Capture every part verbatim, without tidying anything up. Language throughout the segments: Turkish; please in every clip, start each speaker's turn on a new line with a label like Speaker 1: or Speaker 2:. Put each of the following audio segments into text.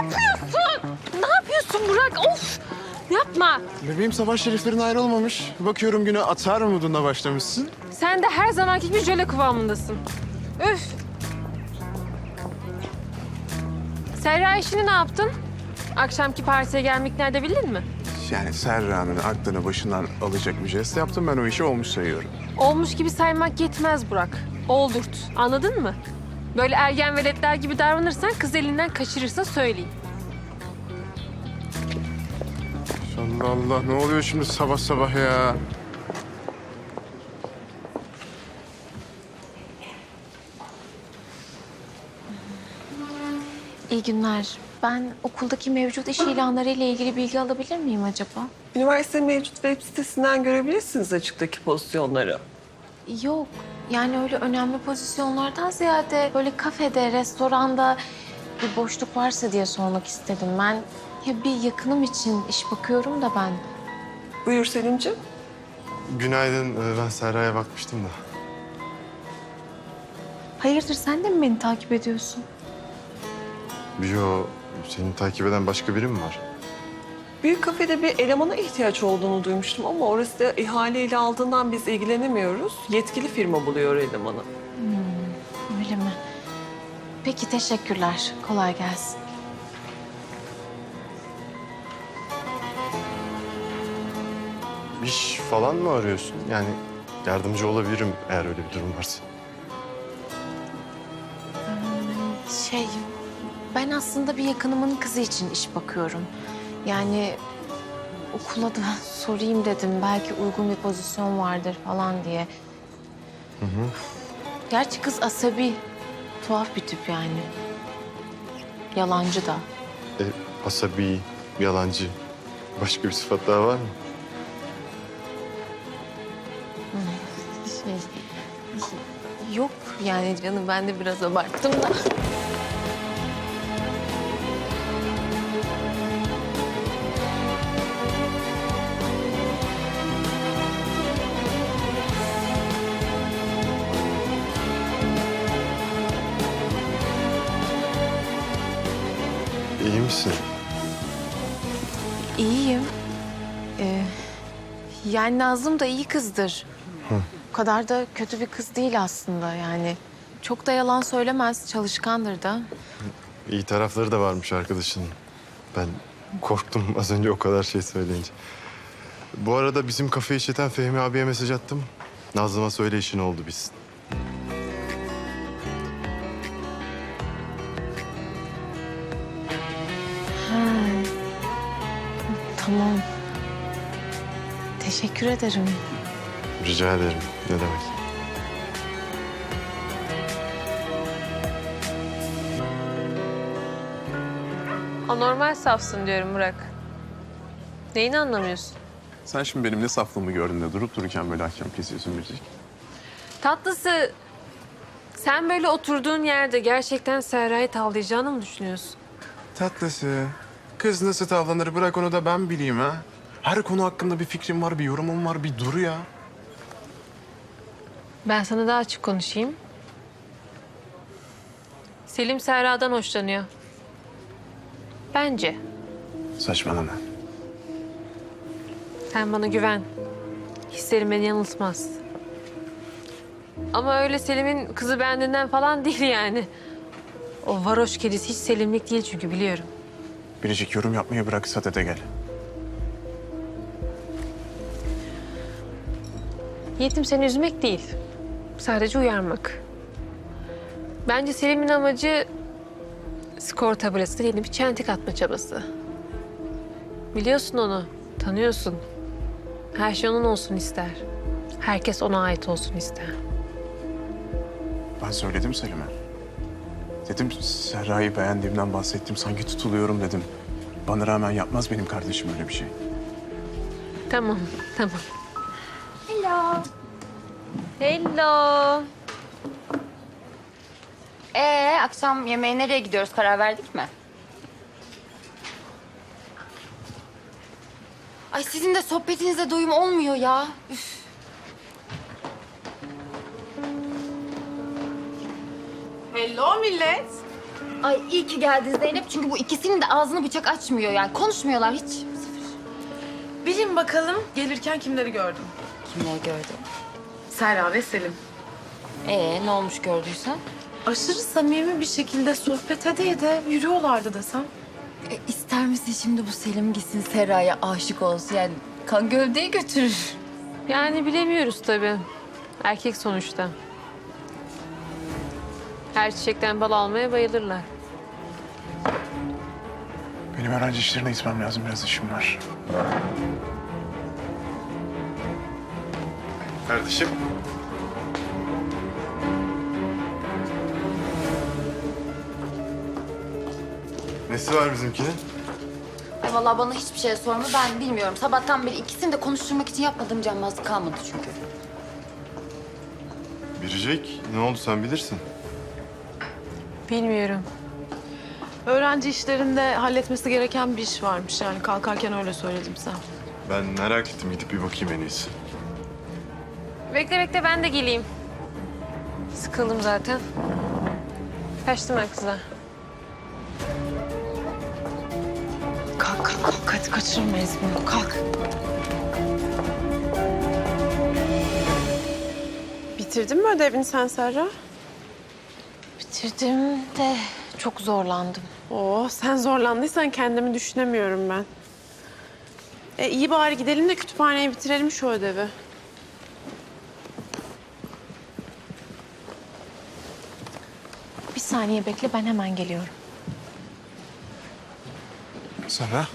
Speaker 1: yapıyorsun? Ne yapıyorsun Burak? Of! Yapma.
Speaker 2: Bebeğim sabah şeriflerin ayrılmamış. Bakıyorum güne atar umudunda başlamışsın.
Speaker 1: Sen de her zamanki gibi jöle kıvamındasın. Üf! Serra işini ne yaptın? Akşamki partiye gelmek nerede bildin mi?
Speaker 2: Yani Serra'nın aklını başından alacak bir jest yaptım. Ben o işi olmuş sayıyorum.
Speaker 1: Olmuş gibi saymak yetmez Burak. Oldurt. Anladın mı? Böyle ergen veletler gibi davranırsan kız elinden kaçırırsa söyleyeyim.
Speaker 2: Allah Allah, ne oluyor şimdi sabah sabah ya?
Speaker 3: İyi günler. Ben okuldaki mevcut iş ilanları ile ilgili bilgi alabilir miyim acaba?
Speaker 4: Üniversite mevcut web sitesinden görebilirsiniz açıktaki pozisyonları.
Speaker 3: Yok. Yani öyle önemli pozisyonlardan ziyade böyle kafede, restoranda bir boşluk varsa diye sormak istedim. Ben ya bir yakınım için iş bakıyorum da ben.
Speaker 4: Buyur Selimciğim.
Speaker 5: Günaydın. Ee, Ben Serra'ya bakmıştım da.
Speaker 3: Hayırdır sen de mi beni takip ediyorsun?
Speaker 5: Yo, seni takip eden başka biri mi var?
Speaker 4: Büyük kafede bir elemana ihtiyaç olduğunu duymuştum ama orası da ihaleyle aldığından biz ilgilenemiyoruz. Yetkili firma buluyor elemanı.
Speaker 3: Öyle mi? Peki teşekkürler. Kolay gelsin.
Speaker 5: İş falan mı arıyorsun? Yani yardımcı olabilirim eğer öyle bir durum varsa.
Speaker 3: Şey, ben aslında bir yakınımın kızı için iş bakıyorum. Yani okula da sorayım dedim. Belki uygun bir pozisyon vardır falan diye.
Speaker 5: Hı hı.
Speaker 3: Gerçi kız asabi, tuhaf bir tip yani. Yalancı da.
Speaker 5: E, asabi, yalancı. Başka bir sıfat daha var mı?
Speaker 3: Şey, yok yani canım ben de biraz abarttım da.
Speaker 5: İyi misin?
Speaker 3: İyiyim. Ee, yani Nazım da iyi kızdır.
Speaker 5: Hı.
Speaker 3: O kadar da kötü bir kız değil aslında yani. Çok da yalan söylemez, çalışkandır da.
Speaker 5: İyi tarafları da varmış arkadaşının. Ben korktum az önce o kadar şey söyleyince. Bu arada bizim kafeyi işleten Fehmi abiye mesaj attım. Nazlı'ma söyle işin oldu biz.
Speaker 3: Ha. Tamam. Teşekkür ederim.
Speaker 5: Rica ederim. Ne demek?
Speaker 1: Anormal safsın diyorum Burak. Neyini anlamıyorsun?
Speaker 2: Sen şimdi benim ne saflığımı gördün de durup dururken böyle hakem kesiyorsun Biricik.
Speaker 1: Tatlısı, sen böyle oturduğun yerde gerçekten Serra'yı tavlayacağını mı düşünüyorsun?
Speaker 2: Tatlısı. Kız nasıl tavlanır bırak onu da ben bileyim ha. Her konu hakkında bir fikrim var, bir yorumum var, bir dur ya.
Speaker 1: Ben sana daha açık konuşayım. Selim Serra'dan hoşlanıyor. Bence.
Speaker 2: Saçmalama.
Speaker 1: Sen bana güven. Hislerim beni yanıltmaz. Ama öyle Selim'in kızı bendinden falan değil yani. O varoş kedisi hiç Selimlik değil çünkü biliyorum.
Speaker 2: Biricik yorum yapmayı bırak, sadede gel.
Speaker 1: Niyetim seni üzmek değil. Sadece uyarmak. Bence Selim'in amacı skor tabelasına yeni bir çentik atma çabası. Biliyorsun onu, tanıyorsun. Her şey onun olsun ister. Herkes ona ait olsun ister.
Speaker 2: Ben söyledim Selim'e. Dedim Serra'yı beğendiğimden bahsettim, sanki tutuluyorum dedim. Bana rağmen yapmaz benim kardeşim öyle bir şey.
Speaker 1: Tamam, tamam.
Speaker 6: Hello.
Speaker 1: Hello.
Speaker 6: Ee, akşam yemeğe nereye gidiyoruz? Karar verdik mi? Ay sizin de sohbetinize doyum olmuyor ya. Üf.
Speaker 7: Hello millet.
Speaker 6: Ay iyi ki geldin Zeynep çünkü bu ikisinin de ağzını bıçak açmıyor yani. Konuşmuyorlar hiç.
Speaker 7: Bilin bakalım gelirken kimleri gördüm?
Speaker 6: Kimleri gördün?
Speaker 7: Serra ve Selim.
Speaker 6: Ee ne olmuş gördüysen?
Speaker 7: Aşırı samimi bir şekilde sohbet ede ede yürüyorlardı desem.
Speaker 6: E, ister misin şimdi bu Selim gitsin Serra'ya aşık olsun yani kan gövdeyi götürür.
Speaker 1: Yani bilemiyoruz tabii. Erkek sonuçta. Her çiçekten bal almaya bayılırlar.
Speaker 2: Benim öğrenci işlerine gitmem lazım. Biraz işim var.
Speaker 5: Kardeşim. Nesi var bizimkinin?
Speaker 6: Ay vallahi bana hiçbir şey sorma ben bilmiyorum. Sabahtan beri ikisini de konuşturmak için yapmadığım cambazlık kalmadı çünkü.
Speaker 5: Biricik, ne oldu sen bilirsin.
Speaker 1: Bilmiyorum.
Speaker 7: Öğrenci işlerinde halletmesi gereken bir iş varmış yani kalkarken öyle söyledim sen.
Speaker 5: Ben merak ettim, gidip bir bakayım en iyisi.
Speaker 1: Bekle bekle ben de geleyim. Sıkıldım zaten. Kaçtım ben kızlar.
Speaker 7: Kalk kalk kalk hadi kaçırmayız bunu kalk. Bitirdin mi ödevini sen Serra?
Speaker 3: Bitirdim de çok zorlandım.
Speaker 7: Oo sen zorlandıysan kendimi düşünemiyorum ben. E iyi bari gidelim de kütüphaneye bitirelim şu ödevi.
Speaker 3: Bir saniye bekle ben hemen geliyorum.
Speaker 2: Serra.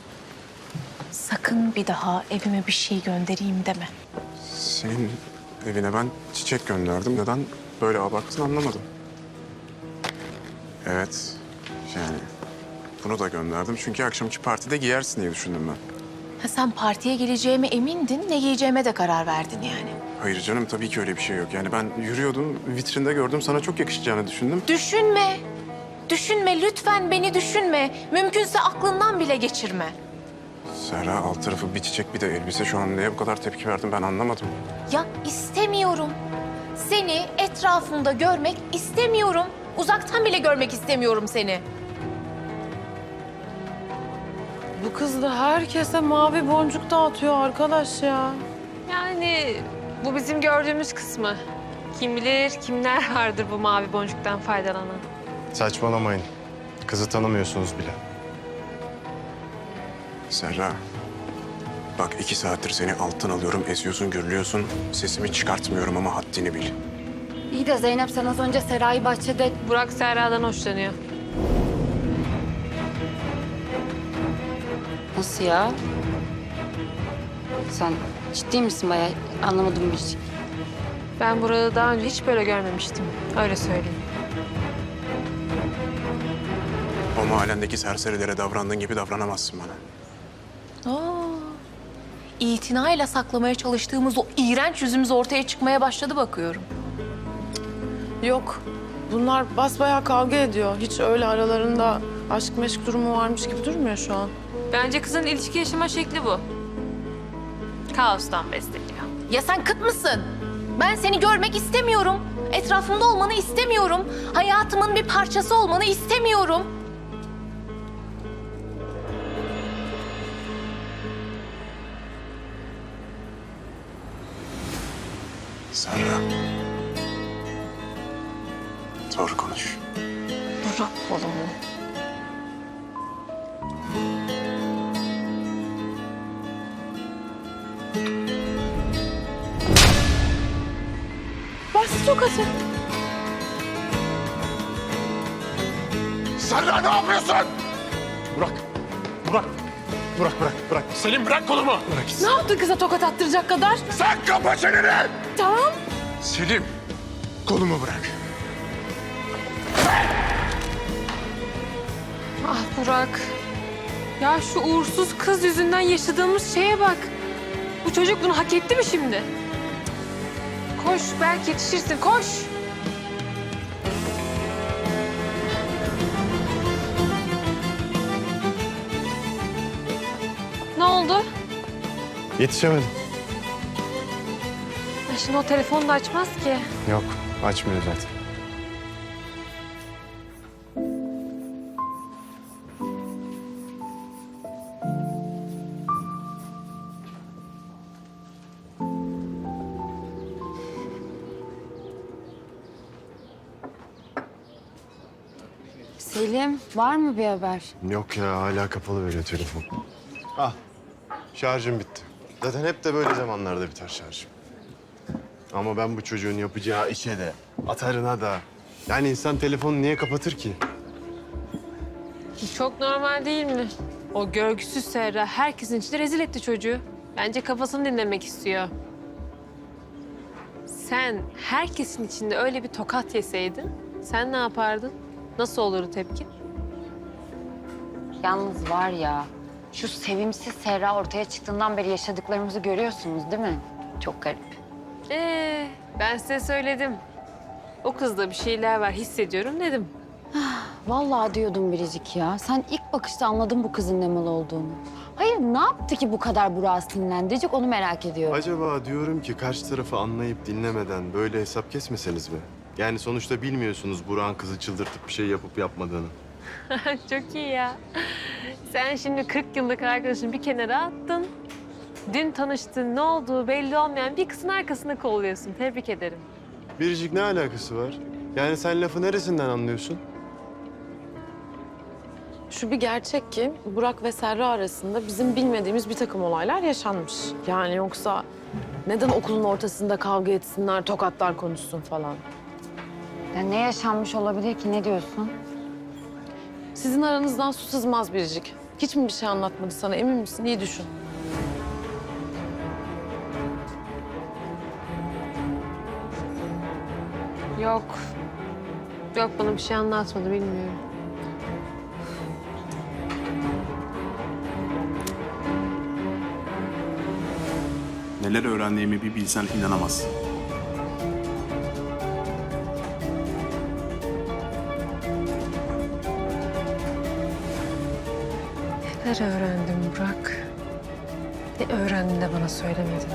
Speaker 3: Sakın bir daha evime bir şey göndereyim deme.
Speaker 2: Senin evine ben çiçek gönderdim. Neden böyle abarttın anlamadım. Evet. Yani bunu da gönderdim. Çünkü akşamki partide giyersin diye düşündüm ben.
Speaker 3: Ha, sen partiye geleceğime emindin, ne giyeceğime de karar verdin yani.
Speaker 2: Hayır canım tabii ki öyle bir şey yok. Yani ben yürüyordum, vitrinde gördüm. Sana çok yakışacağını düşündüm.
Speaker 3: Düşünme. Düşünme, lütfen beni düşünme. Mümkünse aklından bile geçirme.
Speaker 2: Serra alt tarafı bir çiçek bir de elbise. Şu an neye bu kadar tepki verdin ben anlamadım.
Speaker 3: Ya istemiyorum. Seni etrafımda görmek istemiyorum. Uzaktan bile görmek istemiyorum seni.
Speaker 7: Bu kız da herkese mavi boncuk dağıtıyor arkadaş ya.
Speaker 1: Yani bu bizim gördüğümüz kısmı. Kim bilir kimler vardır bu mavi boncuktan faydalanan.
Speaker 5: Saçmalamayın. Kızı tanımıyorsunuz bile.
Speaker 2: Serra. Bak iki saattir seni alttan alıyorum, eziyorsun, gürlüyorsun. Sesimi çıkartmıyorum ama haddini bil.
Speaker 6: İyi de Zeynep sen az önce Serra'yı bahçede...
Speaker 1: Burak Serra'dan hoşlanıyor.
Speaker 6: Nasıl ya? Sen ciddi misin bayağı? Anlamadım bir şey.
Speaker 1: Ben Burak'ı daha önce hiç böyle görmemiştim. Öyle söyleyeyim.
Speaker 2: O mahallendeki serserilere davrandığın gibi davranamazsın bana.
Speaker 3: Aa, itinayla saklamaya çalıştığımız o iğrenç yüzümüz ortaya çıkmaya başladı bakıyorum.
Speaker 7: Yok. Bunlar basbayağı kavga ediyor. Hiç öyle aralarında aşk meşk durumu varmış gibi durmuyor şu an.
Speaker 1: Bence kızın ilişki yaşama şekli bu. Kaostan besleniyor.
Speaker 3: Ya sen kıt mısın? Ben seni görmek istemiyorum. Etrafımda olmanı istemiyorum. Hayatımın bir parçası olmanı istemiyorum.
Speaker 2: Serra. Doğru konuş.
Speaker 3: Bırak kolumu.
Speaker 7: Bas tokatı.
Speaker 2: Serra ne yapıyorsun? Burak. Burak. Burak bırak, bırak. Selim bırak kolumu. Bırak gitsin.
Speaker 7: Ne yaptın kıza tokat attıracak kadar?
Speaker 2: Sen kapa çeneni!
Speaker 7: Tamam.
Speaker 2: Selim, kolumu bırak.
Speaker 1: Ah Burak. Ya şu uğursuz kız yüzünden yaşadığımız şeye bak. Bu çocuk bunu hak etti mi şimdi? Koş belki yetişirsin koş. Ne oldu?
Speaker 5: Yetişemedim.
Speaker 1: Ya şimdi o telefonu da açmaz ki.
Speaker 5: Yok, açmıyor zaten.
Speaker 6: Selim, var mı bir haber?
Speaker 5: Yok ya, hala kapalı veriyor telefon. Ah, şarjım bitti. Zaten hep de böyle zamanlarda biter şarjım. Ama ben bu çocuğun yapacağı işe de, atarına da... Yani insan telefonu niye kapatır ki?
Speaker 1: Çok normal değil mi? O görgüsüz Serra herkesin içinde rezil etti çocuğu. Bence kafasını dinlemek istiyor. Sen herkesin içinde öyle bir tokat yeseydin, sen ne yapardın? Nasıl olurdu tepki?
Speaker 6: Yalnız var ya, şu sevimsiz Serra ortaya çıktığından beri yaşadıklarımızı görüyorsunuz değil mi? Çok garip.
Speaker 1: Ee, ben size söyledim. O kızda bir şeyler var, hissediyorum dedim.
Speaker 6: Vallahi diyordum Biricik ya. Sen ilk bakışta anladın bu kızın ne mal olduğunu. Hayır, ne yaptı ki bu kadar Burak'ı sinirlendirecek onu merak ediyorum.
Speaker 5: Acaba diyorum ki karşı tarafı anlayıp dinlemeden böyle hesap kesmeseniz mi? Yani sonuçta bilmiyorsunuz Burak'ın kızı çıldırtıp bir şey yapıp yapmadığını.
Speaker 1: Çok iyi ya. Sen şimdi kırk yıllık arkadaşını bir kenara attın. Dün tanıştın, ne olduğu belli olmayan bir kızın arkasında kolluyorsun. Tebrik ederim.
Speaker 5: Biricik ne alakası var? Yani sen lafı neresinden anlıyorsun?
Speaker 7: Şu bir gerçek ki Burak ve Serra arasında bizim bilmediğimiz bir takım olaylar yaşanmış. Yani yoksa neden okulun ortasında kavga etsinler, tokatlar konuşsun falan.
Speaker 6: Ya ne yaşanmış olabilir ki, ne diyorsun?
Speaker 7: Sizin aranızdan su sızmaz Biricik. Hiç mi bir şey anlatmadı sana, emin misin? İyi düşün.
Speaker 1: Yok. Yok, bana bir şey anlatmadı, bilmiyorum.
Speaker 2: Neler öğrendiğimi bir bilsen inanamazsın.
Speaker 1: Neler öğrendim Burak? Ne öğrendin de bana söylemedin?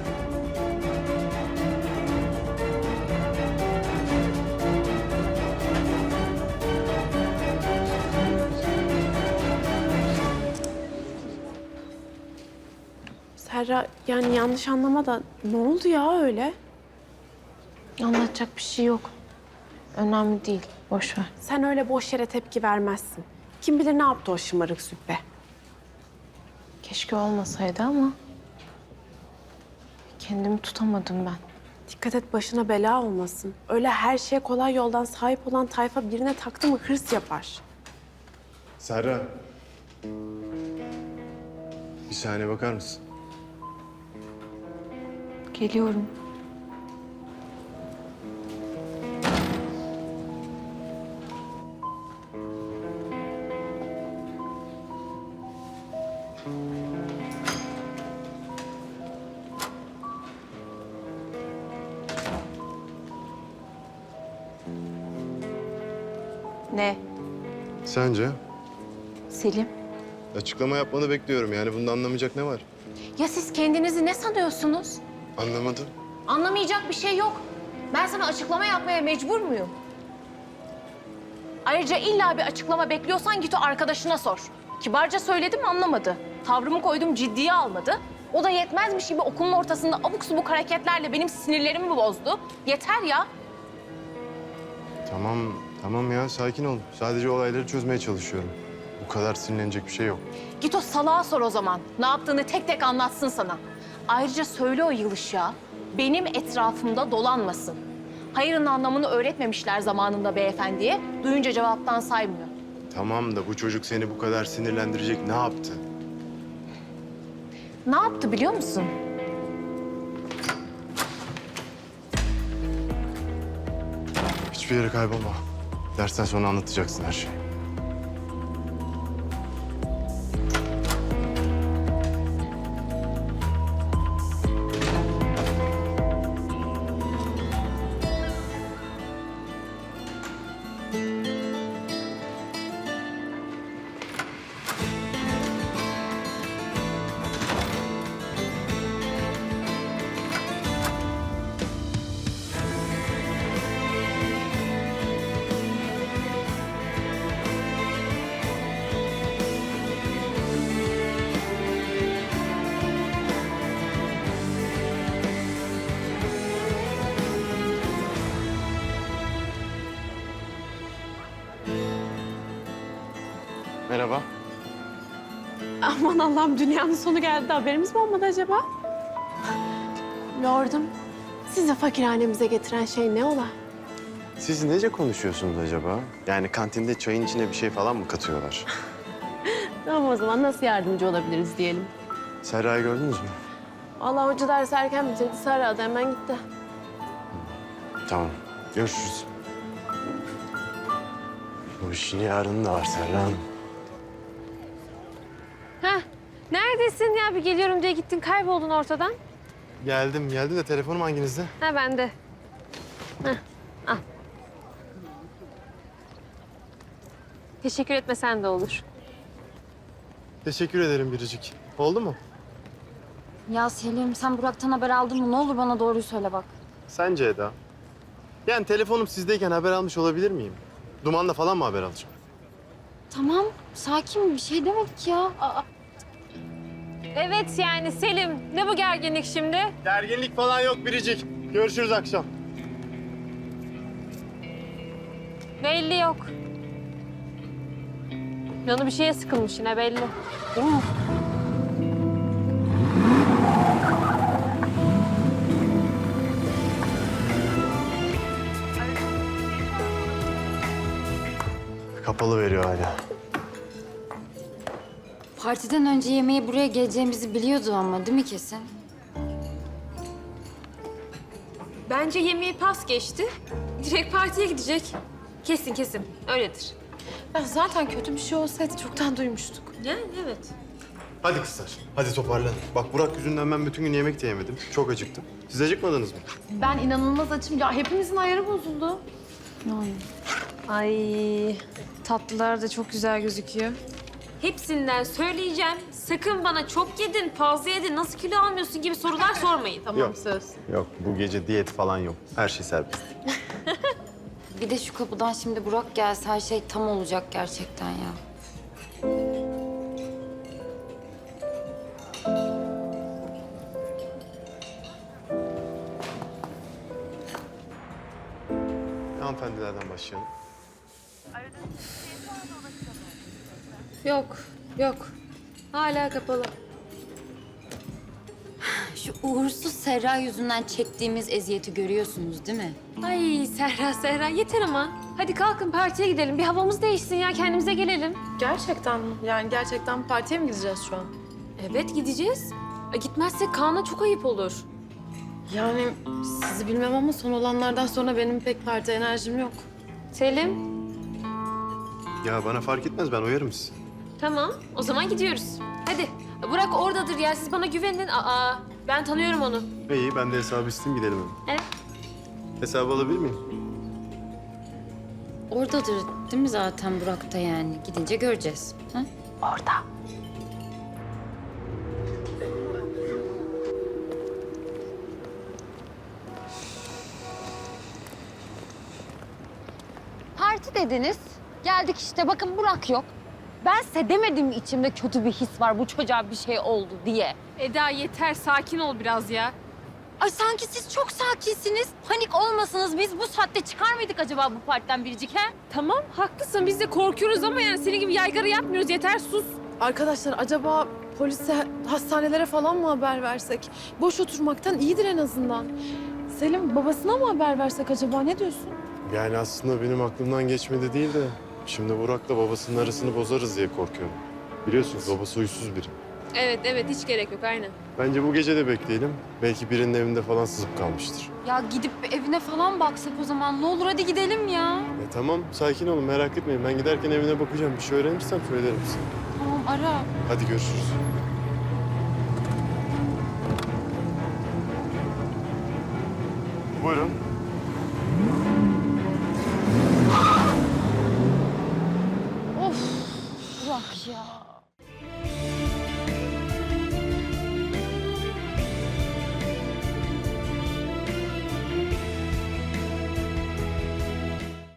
Speaker 7: Serra, yani yanlış anlama da ne oldu ya öyle?
Speaker 3: Anlatacak bir şey yok. Önemli değil. Boş ver.
Speaker 8: Sen öyle boş yere tepki vermezsin. Kim bilir ne yaptı o şımarık züppe.
Speaker 3: Keşke olmasaydı ama kendimi tutamadım ben.
Speaker 8: Dikkat et başına bela olmasın. Öyle her şeye kolay yoldan sahip olan tayfa birine taktı mı hırs yapar.
Speaker 5: Serra. Bir saniye bakar mısın?
Speaker 3: Geliyorum. Ne?
Speaker 5: Sence?
Speaker 3: Selim?
Speaker 5: Açıklama yapmanı bekliyorum. Yani bunda anlamayacak ne var?
Speaker 3: Ya siz kendinizi ne sanıyorsunuz?
Speaker 5: Anlamadım.
Speaker 3: Anlamayacak bir şey yok. Ben sana açıklama yapmaya mecbur muyum? Ayrıca illa bir açıklama bekliyorsan git o arkadaşına sor. Kibarca söyledim anlamadı. Tavrımı koydum ciddiye almadı. O da yetmezmiş gibi okulun ortasında abuk subuk hareketlerle benim sinirlerimi bozdu. Yeter ya.
Speaker 5: Tamam, tamam ya. Sakin ol. Sadece olayları çözmeye çalışıyorum. Bu kadar sinirlenecek bir şey yok.
Speaker 3: Git o salağa sor o zaman. Ne yaptığını tek tek anlatsın sana. Ayrıca söyle o yılışa benim etrafımda dolanmasın. Hayırın anlamını öğretmemişler zamanında beyefendiye. Duyunca cevaptan saymıyor.
Speaker 5: Tamam da bu çocuk seni bu kadar sinirlendirecek ne yaptı?
Speaker 3: Ne yaptı biliyor musun?
Speaker 5: Hiçbir yere kaybolma. Dersten sonra anlatacaksın her şeyi. Merhaba.
Speaker 8: Aman Allah'ım dünyanın sonu geldi. Haberimiz mi olmadı acaba? Lordum, sizi fakirhanemize getiren şey ne ola?
Speaker 5: Siz nece konuşuyorsunuz acaba? Yani kantinde çayın içine bir şey falan mı katıyorlar?
Speaker 8: Tamam o zaman nasıl yardımcı olabiliriz diyelim.
Speaker 5: Serra'yı gördünüz mü?
Speaker 8: Allah hoca dersi erken bitirdi. Serra da hemen gitti.
Speaker 5: Tamam. Görüşürüz. Bu işin yarını da var Serra Hanım.
Speaker 1: Heh, neredesin ya? Bir geliyorum diye gittin, kayboldun ortadan.
Speaker 5: Geldim, geldim de telefonum hanginizde?
Speaker 1: Ha bende. Heh, al. Teşekkür etmesen de olur.
Speaker 5: Teşekkür ederim Biricik. Oldu mu?
Speaker 6: Ya Selim sen Burak'tan haber aldın mı? Ne olur bana doğruyu söyle bak.
Speaker 5: Sence Eda? Yani telefonum sizdeyken haber almış olabilir miyim? Dumanla falan mı haber alacağım?
Speaker 6: Tamam sakin bir şey demedik ya. Aa,
Speaker 1: Evet yani Selim, ne bu gerginlik şimdi?
Speaker 5: Gerginlik falan yok Biricik. Görüşürüz akşam.
Speaker 1: Belli yok. Canı bir şeye sıkılmış yine belli. Değil mi?
Speaker 5: Kapalı veriyor hala.
Speaker 6: partiden önce yemeğe buraya geleceğimizi biliyordu ama değil mi kesin?
Speaker 1: Bence yemeği pas geçti. Direkt partiye gidecek. Kesin kesin. Öyledir.
Speaker 7: Ya zaten kötü bir şey olsaydı çoktan duymuştuk.
Speaker 1: Yani evet.
Speaker 5: Hadi kızlar, hadi toparlanın. Bak Burak yüzünden ben bütün gün yemek de yemedim. Çok acıktım. Siz acıkmadınız mı?
Speaker 7: Ben inanılmaz açım. Ya hepimizin ayarı bozuldu.
Speaker 3: Ay tatlılar da çok güzel gözüküyor.
Speaker 1: Hepsinden söyleyeceğim. Sakın bana çok yedin, fazla yedin, nasıl kilo almıyorsun gibi sorular sormayın.
Speaker 7: Tamam
Speaker 5: Yok.
Speaker 7: söz.
Speaker 5: Yok, bu gece diyet falan yok. Her şey serbest.
Speaker 6: Bir de şu kapıdan şimdi Burak gelse her şey tam olacak gerçekten ya.
Speaker 5: Hanımefendilerden başlayalım.
Speaker 1: Yok, yok. Hala kapalı.
Speaker 6: Şu uğursuz Serra yüzünden çektiğimiz eziyeti görüyorsunuz değil mi?
Speaker 1: Ay Serra, Serra yeter ama. Hadi kalkın partiye gidelim. Bir havamız değişsin ya, kendimize gelelim.
Speaker 7: Gerçekten mi? Yani gerçekten partiye mi gideceğiz şu an?
Speaker 1: Evet, gideceğiz. E, gitmezsek Kaan'a çok ayıp olur.
Speaker 7: Yani sizi bilmem ama son olanlardan sonra benim pek parti enerjim yok.
Speaker 1: Selim,
Speaker 5: Ya bana fark etmez, ben uyarım sizi.
Speaker 1: tamam. O zaman gidiyoruz. Hadi. Burak oradadır ya. Siz bana güvenin. Aa, ben tanıyorum onu.
Speaker 5: İyi, ben de hesabı isteyeyim, gidelim hemen.
Speaker 1: Evet.
Speaker 5: Hesabı alabilir miyim?
Speaker 6: Oradadır değil mi zaten Burak da yani? Gidince göreceğiz. Ha? Orada. Parti dediniz. Geldik işte bakın Burak yok. Ben size demedim mi içimde kötü bir his var bu çocuğa bir şey oldu diye.
Speaker 1: Eda yeter. Sakin ol biraz ya.
Speaker 6: Ay sanki siz çok sakinsiniz. Panik olmasınız. Biz bu saatte çıkar mıydık acaba bu partiden biricik he?
Speaker 1: Tamam, haklısın. Biz de korkuyoruz ama yani senin gibi yaygara yapmıyoruz. Yeter, sus.
Speaker 7: Arkadaşlar acaba polise, hastanelere falan mı haber versek? Boş oturmaktan iyidir en azından. Selim babasına mı haber versek acaba? Ne diyorsun?
Speaker 5: Yani aslında benim aklımdan geçmedi değil de... Şimdi Burak'la babasının arasını bozarız diye korkuyorum. Biliyorsunuz babası huysuz biri.
Speaker 1: Evet, evet. Hiç gerek yok. Aynen.
Speaker 5: Bence bu gece de bekleyelim. Belki birinin evinde falan sızıp kalmıştır.
Speaker 6: Ya gidip evine falan baksak o zaman. Ne olur hadi gidelim ya.
Speaker 5: E tamam, sakin olun, merak etmeyin. Ben giderken evine bakacağım. Bir şey öğrenirsem söylerim size.
Speaker 6: Tamam ara.
Speaker 5: Hadi görüşürüz. Buyurun.
Speaker 6: Of Burak ya.